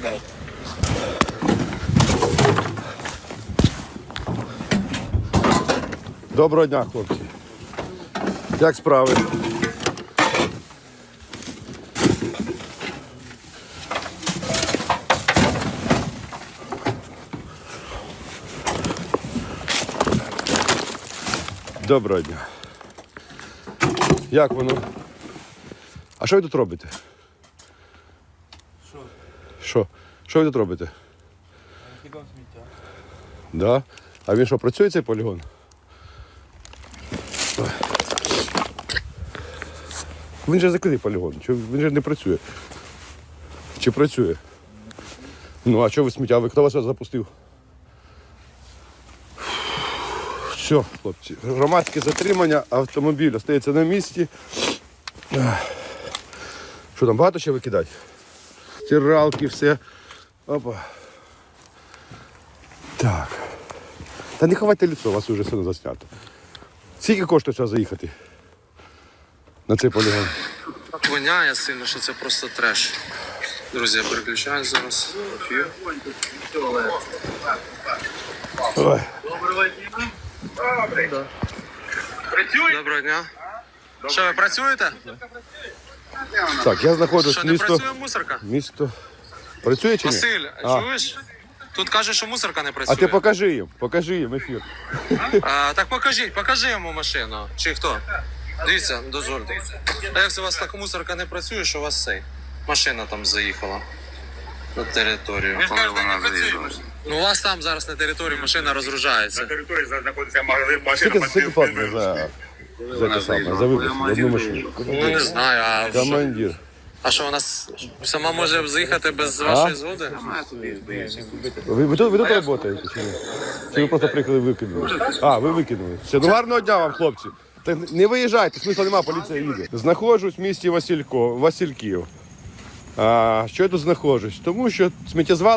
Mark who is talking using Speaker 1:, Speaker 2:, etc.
Speaker 1: Доброго дня, хлопці. Як справи? Доброго дня. Як воно? А що ви тут робите? Що? Що ви тут робите?
Speaker 2: Полігон сміття.
Speaker 1: Да? А він що, працює цей полігон? Він же закритий полігон. Він же не працює. Чи працює? Ну, а що ви сміття? Хто вас запустив? Все, хлопці. Громадське затримання, автомобіль остається на місці. Що там, багато ще викидати? Стиралки, все. Опа. Так. Та не ховайте лицо, у вас вже все заснято. Скільки коштує сюди заїхати? На цей полігон?
Speaker 3: Так воняє сильно, що це просто треш. Друзі, я переключаю зараз ефір.
Speaker 1: Ой.
Speaker 3: Доброго дня. Що, ви працюєте?
Speaker 1: Так, я знаходжусь
Speaker 3: Що,
Speaker 1: в
Speaker 3: не
Speaker 1: місто.
Speaker 3: працює мусорка?
Speaker 1: Місто. Працює чи ні?
Speaker 3: Василь,
Speaker 1: А.
Speaker 3: чуєш? Тут кажуть, що мусорка не працює.
Speaker 1: А ти покажи їм ефір.
Speaker 3: Так покажи йому машину. Чи хто? Дивіться, дозвольте. А як це у вас так мусорка не працює, що у вас цей? Машина там заїхала на територію. Коли вона заїхала? Ну, у вас там зараз на території машина розгружається.
Speaker 4: На території знаходиться магазин, машина.
Speaker 1: Скільки платно за те саме, за випуск, за одну машину?
Speaker 3: Ну, не знаю, а що?
Speaker 1: Командир.
Speaker 3: А що, вона сама може заїхати без вашої згоди?
Speaker 1: Ви тут працюєте чи ні? Чи ви просто приїхали і викинули? А, ви викинули. Все, ну гарного дня вам, хлопці. Так не виїжджайте, смисла немає, поліція їде. Знаходжусь в місті Васильків. А що я тут знаходжусь? Тому що сміттєзвал